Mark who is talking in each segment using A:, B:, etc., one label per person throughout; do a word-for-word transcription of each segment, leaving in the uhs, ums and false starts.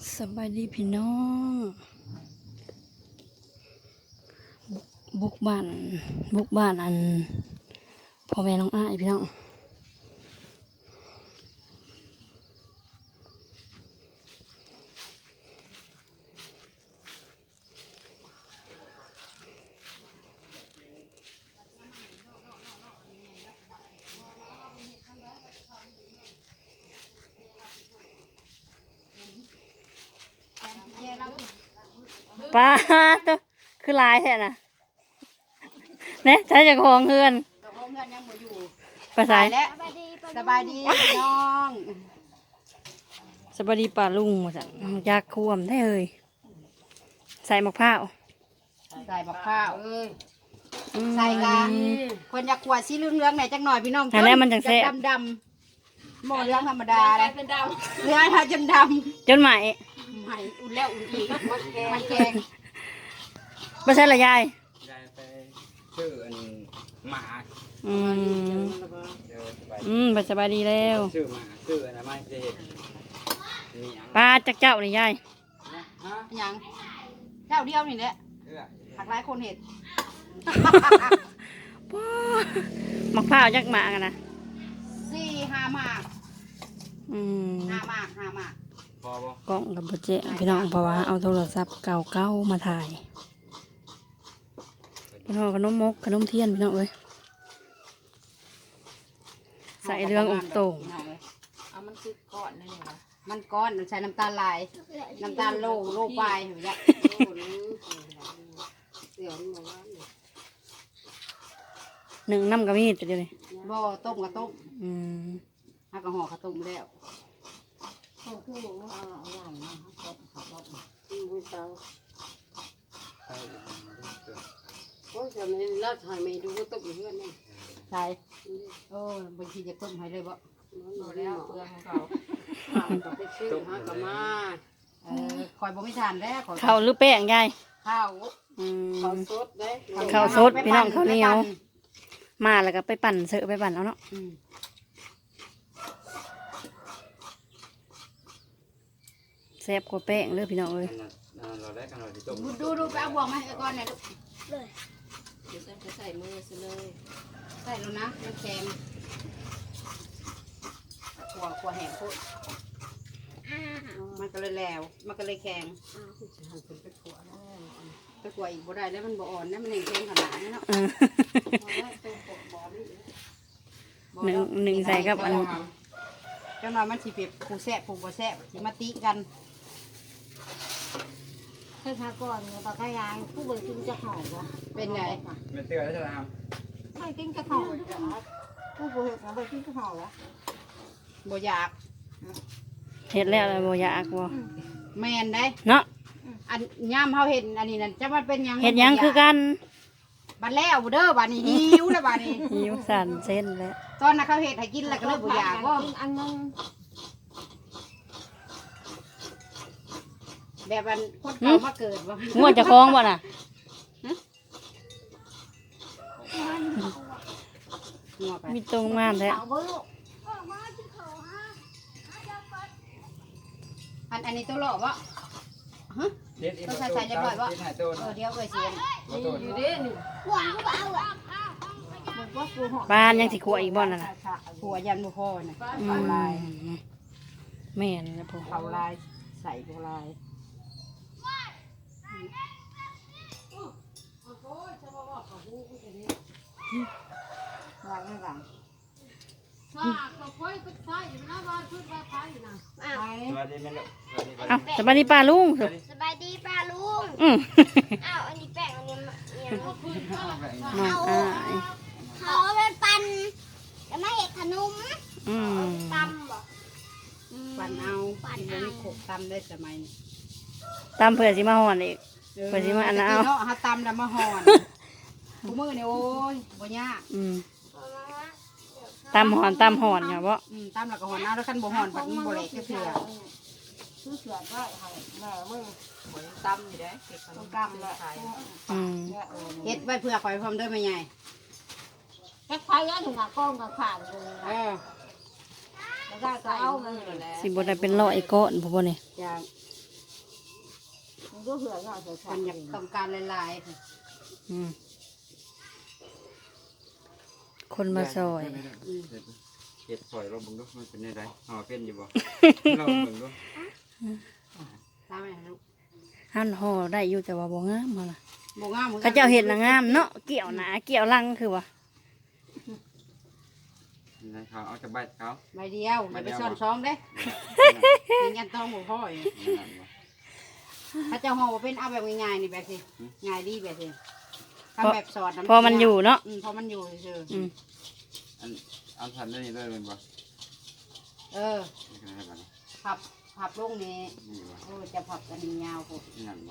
A: สบายดีพี่น้องบุกบ้านบุกบ้านอันพ่อแม่น้องอ้ายพี่น้องป้าตัวคือลายแท้น่ะเนี่ยใช้จากของเพื่อน
B: เจ้าของเงินยังบ่อยู่
A: ภาษา
B: ตายแล้วสบายดีพี่น้อง
A: สบายดีป่าลุงมาสั่งยากควมได้เลยใส่มะพร้าว
B: ใส่บักข้าว
A: อืม
B: ใส่กะคนอยากขวดสีเหลืองๆหน่อยจักหน่อยพี่น้อง
A: อันนั้นมันจังแซ่บ
B: ดำดำๆหม้อเหลืองธรรมดาเลยเป็นดำเหลืองถ้าจนด
A: จนใหม่
B: ำใหม่อุ่นแล้วอุ่นอีกมันแกง
A: ไม่ใช่ละยาย
C: ยายไปชื่ออันหมา
A: อืม
C: เดี๋ยวสบาย
A: อืมไปสบายดีแล้ว
C: ชื่อหมาชื่ออันนั้นไม่จะเห็นมีอัง
A: ป้าจักเจ้านี่ยาย
C: นะฮะ
B: หยังเจ้าเดียวนี่แหละ
C: เอื้อ
B: หักหลายคนเห็ด
A: ป้ามะพร้าวจักหมากันนะ
B: สี่ห้าหมาก
A: อืม
B: ห้าหมากห้าหมาก
C: พอบ่
A: กล้องกับโปรเจกพี่น้องเพราะว่าเอาโทรศัพท์เก่าๆมาถ่ายพี่น้องขนมมกขนมเทียนพี่น้องเอ้ยใส่เรื่องอกโต่ง
B: เอามันคือก้อนนั่นเองมันก้อนใส่น้ำตาลลาย น้ำตาลโลโลปลายเห็นไหมจ๊ะ
A: หนึ่งน้ำกระมีดจะเดียวเลย
B: บ่ต้มกับต้ม
A: อืม
B: ฮักกับห่อข้าวต้มแล้ว
C: ใช่เกิด
D: โอ้ยจะไม่เล่าถ่ายไม่ดูก็ตกอยู่เพื่อนนี่
B: ใช่โอ้บางทีจะต้มให้เลยบ่
D: หมดแล้วเพื่อนของเขาถามกับไปชื่อหากับมา
B: เออคอยบ่ไม่ทานแล้วขอ
A: ข้าวหรือแป้งยาย
B: ข้าว
A: อืม
D: เขาสดได้
A: ข้าวสดพี่น้องข้าวเหนียว มาแล้วก็ไปปั่นเสือไปปั่นเอาเนาะ
B: อืม
A: แซ่บกว่าแป้งเลยพี่น้องเอ้ย
C: อันนั้นอันนั้นเราได้กันเราที่ต้ม
B: ดูดูดูไปเอาบ่วงมาให้ก่อนหน่อยลูก
D: เดี๋ยวจะใส่มือซะเลย
B: ใส่แล้วนะมันแข็งขัวขัวแห้งโคตรมันก็เลยแล้ว มันก็เลยแข็ง
D: อ้าวคุณจะหันเป็นไปขวดแล้ว
B: ไปขัวอีกบ่ได้แล้วมันบ่อ่อนนะมันแห้งแข็งขนาดนั้นเนาะ
A: เออ
D: พอแล้วตัวปกบอนี่
B: บ่
A: หนึ่ง
B: แล้ว
A: หนึ่งใส่กับอัน
B: จังหวะมันสิเปรียบผู้แซ่บผู้บ่แซ่บสิมาติกัน
E: ให้พาก่อนเนี่ยปากกายางผู้บริกินจะหอมวะ
B: เป็นไง
C: ไม่เตือนแล้วใช่ไหมครับ
E: ไม่กินจะหอมจ้ะผู้บริบริกินจะหอมวะ
B: บ่อยาก
A: เห็ดแล้วอะไรบ่อยากบ่
B: แม่นได้
A: เนาะ
B: อันย่ามเฮาเห็นอันนี้นั่นจะมันเป็นหยัง
A: เห็ดหยังคือกัน
B: บัดแล้วเด้อบัดนี้หิวแล้วบัดนี้
A: หิวสั่นเส้นแล้ว
B: ตอนนั้นเขาเห็ดให้กินแล้วก็เลยบ่อยากว่า
E: กินอันนึง
B: แบบมันคนเก่ามาเกิดว่า
A: ง่วงจะคล้องบ่น่ะ
B: งัวไป
A: มีตรงงามแท้
E: เอาเบอร์ลูก
B: อันอันนี้ตัวหล่อวะฮะ
C: เด็ดอีก
B: ต้องใส่ใส่เรียบร้อยบ่
C: เด็ดหายตัว
B: เออเดี๋ยวเอ้ยเสียง
C: บ่ตัว
D: อยู่ดิหนู
E: หวานก็เอาอ่ะมันก็กูหอม
A: บ้านยังสิขัวอีกบ่น่ะน่ะ
B: ผัวยันบ่พอน่ะ
A: อื
B: เผาม ลาย
A: แม่นนะพ่อ
B: เผาลายใส่ผัวลาย
E: หวานไม่หวาน
D: ซ่าก็ค่อยก็ใส่อยู่นะบ้านพืชบ้านพายอยู่นะ
B: ไป
C: สวัสดีแม่ลูกสวัสดี
A: เอ้าสบายดีป้าลุง
E: สบายดีป้าลุง
A: อืม
E: อ้าวอันนี้แป้งอันนี้เนี่ย
A: น้องอ้าย
E: เขาไปปั่นจะไม่เห็ดขนม
A: อืม
E: ตำบ่
B: ปั่นเอาที่บ่มีโขกตำได้สมัยนี้
A: ตามเผื่อสิมาห่อนอีก ไปสิมาอันนั้นเอา
B: ตะกี้เนาะเฮาตำแล้วมาห่อนผู้มือนี่โอ้ยบ่ยาก
A: อืมตามห่อนตามห่อนค่ะบ่
B: อืมตำแล้วก็ห่อนเอาแล้วคันบ่ห่อนบัดมันบ่แหลกจักเทื่อ
E: ซื้อเสือได้ให้แม่มึง
D: เหมือนตำอยู่ได้เก็บขนม
E: ตำแหละ
A: อืม
B: เฮ็ดไว้เพื่อข่อยพร้อมเด้อแม่ใหญ่
E: แค่คล้ายๆถึงกับกล้องกับขาดเลย
B: เออ
E: แล้วก็
D: ใส่
E: เอา
D: มื
E: เงิ
D: อน แล้ว
A: สิบ่ได้เป็นร้อยก้อนพ่อบ่นี่
B: อย่าง
E: มันก็เหื่อยง่ายใส่
B: คนอยากต้องการหลาย
A: อืมคนมาซอย
C: เห็ดซอยเราบึงดูมันเป็นยังไงห่อเป็นอยู่บ่เราบึงดู
B: ๆตามไปลูก
A: หั่นห่อได้อยู่แต่ว่าบ่งามมาล่ะ
B: บ่งาม
A: เขาเจ้าเห็ดน่ะงามเนาะเกี่ยวหนาเกี่ยวลังคือว่า
C: เขาเอาจะใบเขา
B: ใบเดียวอย่าไปซ่อนช้องเด้มียันต้องบ่พ่อยถ้าเจ้าห่อเป็นเอาแบบง่ายๆนี่แบบสิง่ายดีแบบสิทำแบบสอด
A: พอมันอยู่เนาะ
B: อืมพอมันอยู่เฉย
A: อืม
C: อันเอาทันได้เลยเป็นบ่
B: เออพับพับลงนี่
C: นี่บ่
B: เออจะพับกันยาวพวก
C: นี่นั่นบ่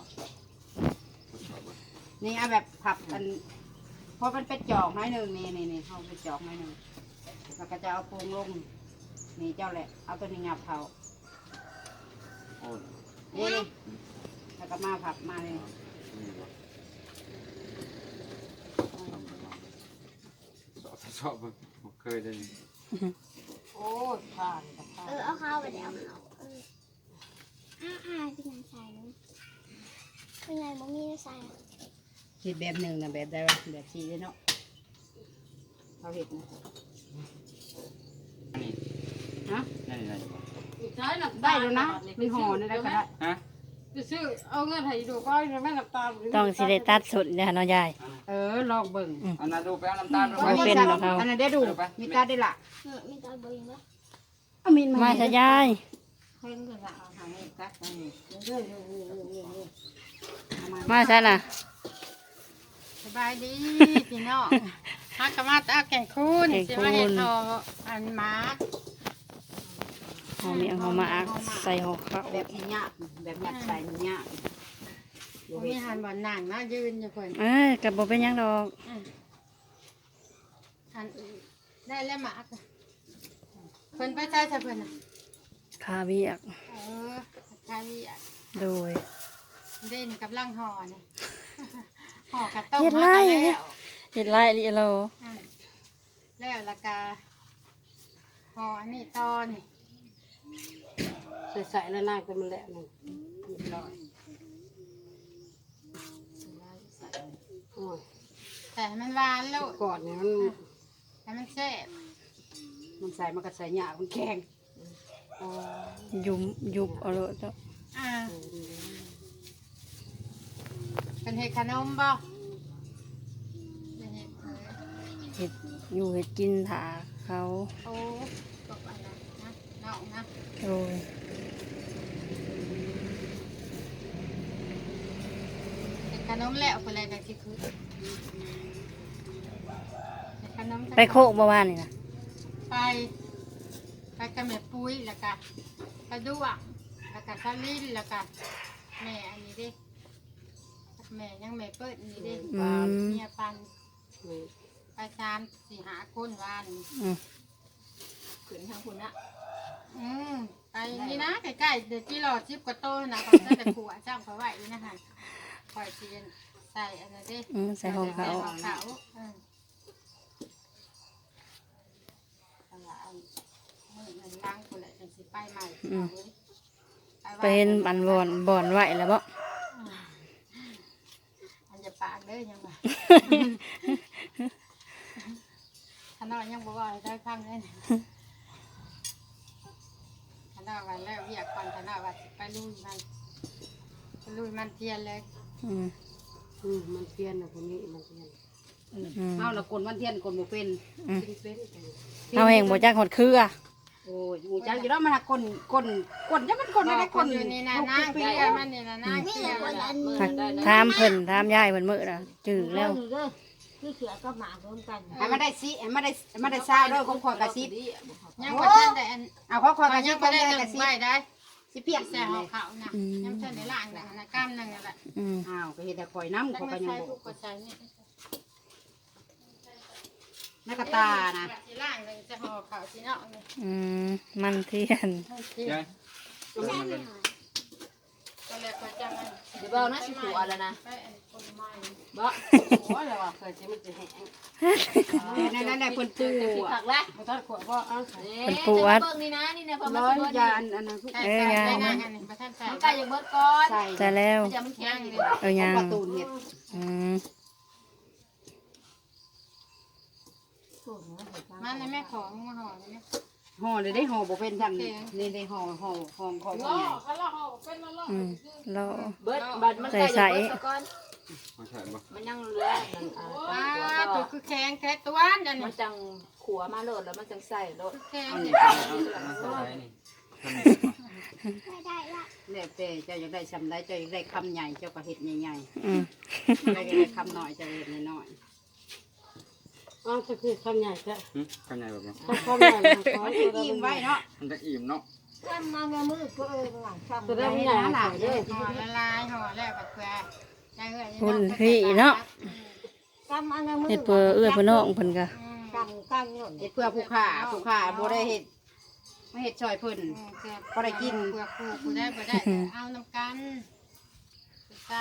B: นี่เอาแบบพับกันเพราะมันเป็นจอกน้อยหนึ่งนี่นี่นี่เขาเป็นจอกน้อยหนึ่งแล้วก็จะเอาโปรงลงนี่เจ้าแหละเอาตัวนี้งับเขา
C: โอ้
B: นี่นี่แล้วก็มาพับมาเลย
C: นี่บ่สอบสอบบ่เคยได้
B: โอ้ยผ่านกับผ่าน
E: เออเอาข้าวไปแล้วเอาเอออ่าอ่าเป็นไงใส่เนาะเป็นไงบ่มีใส่
B: คิดแบบหนึ่งนะแบบใดวะแบบสี่เนาะเขาเห็ดนะ
C: นี่
B: ฮะ
C: นี่นี่บ่
D: ใช้น้ำ
B: ได้
D: ตาล
B: แล้วนะมีห่อนี่ได้ก็ได้
C: ฮะ
D: ไปซื้อเอาเงินให้ดูก็แม่น้ำตาล
A: ต้องสิได้ตัดสุดเนี่ยเนาะยาย
B: เออลองเบิ่ง
C: เอานาดูไปเอาน้ำตาล
A: บ่เป็นหรอกเขา
B: อันนั้นได้ดูมีตาได้ละ
E: เออมีตาเบิ่งบ่
B: เอามีน
A: มา
B: มา
A: ซะยาย
B: เพิ่งก็ละเอาหาให้ตัดนี่เรื่อยๆเรื่อยๆเอามา
A: มาซะน่ะ
D: สบายดีพี่น้องฮักกะมาตาแข่งคูนสิมาเห็ดทออันมาร์ก
A: ห่อเมียงห่อมาอักใส่ห่อข้าว
B: แบบนี้ยากแบบยัดใส่นี่ยาก
D: ผมมีหันบ่อนนั่งนะยืนอยู่คน
A: เอ้ยก็บ่เป็นหยังดอก
D: อันได้แล้วหมากเพิ่นไปใช้ใช่เพิ่นน่ะ
A: คาเวียก
D: เออใช่
A: โดย
D: เด่นกับลังห่อนี่ห่อกระต้ม
A: เฮ็ดไร
D: มาแล้ว
A: เฮ็ดไรลิโล
D: อืมแล้วและกาห่ออันนี้ตอนี่
B: ใส่ใส่แล้วน่าก็มันแหละนึงเรียบร้อยโอ้ย
D: แต่ให้มันหวานแล้ว
B: ก่อนเนี่ยมัน
D: ให้มันแซ่บ
B: มันใส่มันก็ใส่ยากมันแข็งอ๋อ
A: ยุมยุบเอาเลยเจ้า
D: อ่าเป็นเห็ดขนมบ่เป็นเห็ดเออ
A: เฮ็ดอยู่เฮ็ดกินถาเขา
D: โอ้ตกอะไรนะเนานะ
A: โดย
D: เห็ดขนมแล้วคนอะไรแบบที่คือเห็ดขนม
A: ไปโคกเมื่อวานนี่นะ
D: ไปไปกับแม่ปุ้ยแล้วก็ไปดูอ่ะแล้วก็ซาลินแล้วก็แม่อันนี้ดิแม่ยังแม่เปิดอันนี้ดิ
A: อืม
D: เมียปันไปสามสี่หาคนวาน
A: อืม
B: ขึ้นทางคุณนะ
D: อืมไปนี่นะใกล้ๆเด็กที่รอชิบกว่าโตนะเขาจะแต่ขัวจ้างเขาไหวนี่นะคะคอยเตียนใส่อันนั้นดิ
A: อืมใส่ห่อเขา
D: ใส่ของเขาอืม
B: เอาละเอา
D: มือมันล้างคนละจังสิไปใหม่
A: อืม
D: เอาไว้
A: ไปเห็นบันบอนบอนไหวแล้วบ่
D: อันจะปากเด้อยังไงขนาดยังบอกว่าให้ได้พังเลยขนาดวันแล้วเรียกก่อนขนาดว่าสิไปลุยมันไปลุยมันเทียนเลย
A: อืม
B: อืมมันเพี้ยนนะคนนี้มันเพี้ยน
A: อืม
B: เอาละกลมันเทียนกลบ่เป็น
A: อืม
B: เป็น
A: เอาแห่งบ่จักหดเครือ
B: โอ้ยอูจังอยู่แล้วมันหากลกลกลจะมันกล
D: บ
B: อะไร
D: อก
B: ก
D: ค
B: ล
D: นอยู่นี่นะ
B: ลูก
D: นะ
B: ปี
D: เกี่
B: ๆ
D: ย
B: แล้ว
D: มันนี่นะนะเกี่ย
E: คนอัน
A: หักถามเพิ่นถามยายเพิ่นมื้อน่ะจื้อแล้ว
E: คือเสือก็หมาร่วมกัน
B: ให้มันได้สิให้มันได้ให้มันได้ซาวด้วยของขอยกระซิบ
D: ยังว่าท่านได้อัน
B: เอาของขอยกระซิ
D: ยั
B: บ
D: ง
B: ขอ
D: ไม่
B: ง
D: ได้
B: แม่
D: ห
B: ก
D: นึ่
B: ระ
D: ง
B: ซิบ
D: ใบได้
B: สิเปียก
D: แซ่ของเขานะยังไม่ได้ล่างนะนะกล้ามนึงนั่นแหละ
A: อืม
B: อ้าวก็เฮ็ดแต่ข่อยน้ำ
D: ตั้
B: ข่
D: ง
B: อย
D: ไม่
B: ก็ยัง
D: ใช่
B: บ่
D: ทุกก็ใช่นี่
B: นักกระตานะ
D: สิล่างเลยจะห่อเขาสิเนาะนี่
A: อืมมันเทียน
C: ยาย
D: ก็เลยก็จะมัน
E: เดี๋ยวเบานะสิผัวแล้วนะ
D: ไปอันคนใหม่
B: บ่โอ้ยแล้วว่าเคยสิมันจะแห้งนั่นนั่นแหละเพิ่นปูอ่ะ
D: ผักละ
B: บ่ทันขวดบ่เอา
A: เป็นปูอัด
D: เบิ่งนี่นะนี่นะพอมา
B: ร้อย
D: สิเบิ่ง
B: ยาอันอันนั้นทุก
A: เอ้ยยัง
D: ได้นะอันนี้บ่ทันใส่ใส่อย่าเบิดก่อน
B: ใส่
A: แต่แล้ว
D: มันจะมันแข็งเลย
A: เออยัง
B: ประตูเห็ด
A: อืม
D: มันในแม่ของมาห่อนี่
B: ห่อเลยได้ห่อบ่เป็นทำนี่ได้ห่อห่อห่อของใหญ่
A: อืมเรา
F: เบิดบัดมัน
A: ใส่
F: ใส่
A: ใส่
F: เบิดซะก่อน
C: มาใช่บ่
F: มันยังเหลือนั่นอ่า
D: ว้า
F: ตัว
D: ตัวคือแข็งแค่ตัวอัน
F: มั
D: นี้
F: นจังขัวมาโลดแล้วมันจังใส่โลด
D: แข็ง
C: เอา
D: นี่
C: นี่เอาเอาใส่นี่ทำนี่บ่
E: ไม่ได้ละ
B: แล้วแต่เจ้าอยากได้ซำใดเจ้าอยากได้คำใหญ่เจ้าก็เฮ็ดใหญ่
A: อืม
B: ๆเจ้าอยากได้คำน้อยเจ้าเฮ็ดน้อย
G: อ้าวจะคือคำใหญ่จะ
C: หึข้างในบ่บ่
G: ถ้าคำใหญ่มัน
B: ๆ
G: ขอ
B: มัน
G: จะ
B: จะอิ่มไว้เนาะ
C: มันจะอิ่มเนาะ
F: ทำมาเงมือก็เออหลังทำ
G: จะได้ไม่ใหญ่ขายเด้อ
D: ห่อละลายห่อแล้วก็เพื่อใจเอื้อย
A: พุ่นพี่เนาะ
F: ทำมาเงมือ
A: เฮ็ดเพื่อเอื้อเพื่อน้องเพิ่นก็
F: กันกันหล่น
B: เฮ็ดเพื่อผู้ค้าผู้ค้าบ่ได้เฮ็ดไม่เฮ็ดช่วยเพิ่น
D: เพื่อกูกูได้บ่ได้เอาน้ำกันใส่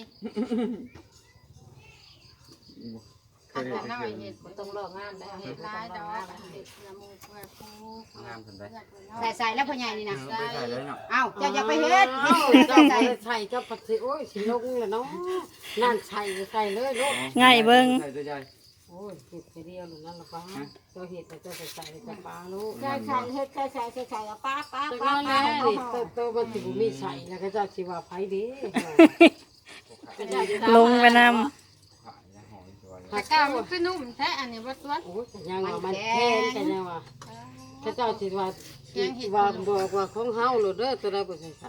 C: เคยเห็น
D: น้อ
C: เค
D: ย
C: ย
D: เห็
C: เห็
D: ด
C: น
F: ต้องลอกงานได้เฮ็
D: เห็
F: ด
D: ด
F: ลา
D: ลาย ย
F: ด
D: ด
F: อ
D: อก กเห็ดละมุกเพื่อปู
C: งามสนใจ
B: ใส่ใส่แล้วพ่อใหญ่นี่นะ
C: เอาไปใส่เลยเนาะ
B: เอ้าเจ้าอย่าไปเฮ็ด
G: อ้าว
B: เฮ็ด
G: เจ้า
B: ใส่
G: บ่ได้ใส่เจ้าปัดสิโอ้ยสิลงแล้วเนาะนั่นใส่ใส่เลยลูก
A: ง่ายเบิ่ง
C: ใส่ตัวใหญ่
G: โอ้ยเห็ดไปเดียวหรือนั่นละป้าเจ้าเห็ดแต่เจ้าใส่ใส่ใส่ปลาลูก
F: ใส่ใส่เฮ็ดใส่ใส่ใส่ใส่ป้าป้า
G: แต่
F: ป้า
G: ก็
F: ป้า
G: แล้วนี่โตโตมันสิบ่มีใส่แล้วก็เจ้าสิว่าไผเด้
A: ลงไปนำ
C: ขายแล้วห่อสวย
D: แต่ก้าวมันคือนุ่มแท้อันนี้บ่ตัว
G: โอ้ยก็ยังว่ามันแพงกันยังว่าถ้าเจ้าสิว่าสิว่าบอกว่าของเฮาโลดเด้อตัวใดบ่ใส่ใส่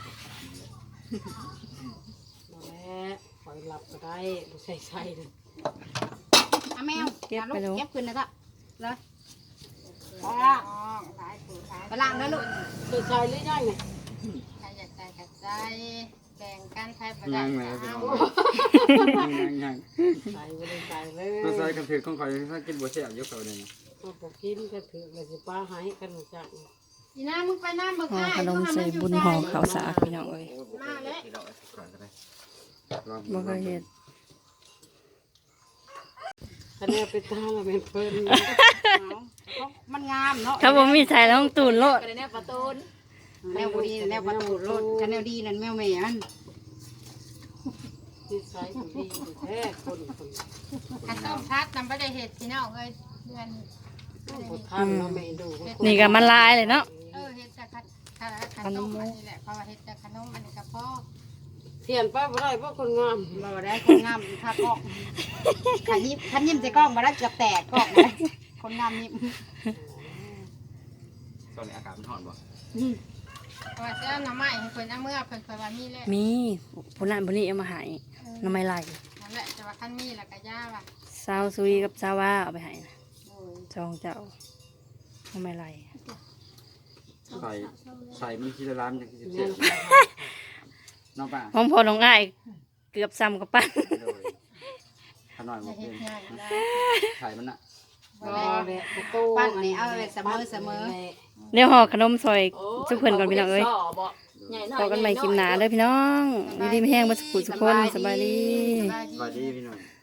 G: นั่นแหละปล่อยหลับก็ได้บ่ใส่ใส่เลย
B: เอาแมวอย่าลูกเก็บขึ้นนะจ๊ะเลย
D: อ๋อหลายปูหลาย
B: ไปล้างแล้วลูก
G: ใส่ใส่หรือยังเนี่ย
D: ใครอยากใส่ก็ใส่แบ่งกันใครบ่
C: ๆ
D: ได้
C: ยังเลย
D: ก็
C: พี่
D: เอา
C: น้องยังยัง
G: ใส่บ่ได้ใส่เลย
C: มาใส่กันถือของข่อยถ้ากินบ่แซ่บยกเอาเลยนะ
G: เอาบ่กินก็ถือเลยสิป้าให้กันรู้จัก
D: อีน้ามึงไปน้ำมึง
A: ห่อ
D: อ้าย
A: ขนมใส่บุญห่อข้าวสากพี่น้องเอ้ย
D: มาแล้ว
C: ที่เราเอาก่อนก็ได้ลอง
A: บ่เคยเฮ็ด
G: คะแนนไปตามแล้วเป็นเพิ่น
B: เอามันงามเนาะ
A: ถ้าบ่มีใส่แล้วต้องตูนโลด
F: ก็ได้แนวประตูน
B: แนวบุรีแนวประตูรถคันแนวดีนั่นแมวแม่มัน
G: นิสัยบ่ดีอยู่แท้คนคน
D: ขันต้มพัดนำไปได้เห็ดพี่น้องเอ้ยเดือน
G: บ่ทันเนาะแม่ดู
A: นี่ก็มันลายเลยเนาะ
D: เออเห็ดจากขัดขัดขันต้มอันนี้แหละเพราะว่าเห็ดจากขนมอันนี้กับพ่อ
G: เทียนป้าบ่ได้เพราะคนงาม
B: เราได้คนงามถ้ากล้องขันยิ้มขันยิ้มใส่กล้องมาได้เกือบแตกกล้องเลยคนงามยิ้ม
C: ตอนนี้อากาศมันร้อนบ่
D: เพราะว่าเจ้าหน่อไม้ให้เพิ่นเอาเมื่อเพิ่นเพิ่นว่ามีแล้ว
A: มีผู้นั้นผู้นี้เอามาให้หน้ำไม้ไหล
D: นั่นแหละแต่ว่าคันมีแล้วก็ย่าว่ะ
A: สาวซุยกับสาวว่าเอาไปให้นะ
D: โอ้ย
A: จองเจ้าหน้ำไม้ไหล
C: ใส่ใส่มันทีละล้านจังสิแซ่บน้องป่า
A: ห้องพอน้องอ้ายเกือบซ้ำกับปั้น
C: เลยขน่อยบ่
D: จะ
C: เป็
D: เห็ด
C: น
D: ง่ายได้
C: ไข่มันน่ะ
D: บ่
G: บ่
D: ได้
G: แหละประตู
B: ปั้นนี่เอาไว้เสมอเสมอ
A: เดี๋ยวห่อขนมซอยสุกเพิ่นก่อนพี่น้องเอ้ย
F: บ่บ่ใหญ่หน่อย
A: พอกันใหม่คลิปหน้าเด้อพี่น้องอยู่ดีไม่แห้งบ่สุขุสุกคนสบายดี
D: สบาย
C: สวัส
D: ดี
C: ดีพี่น้อง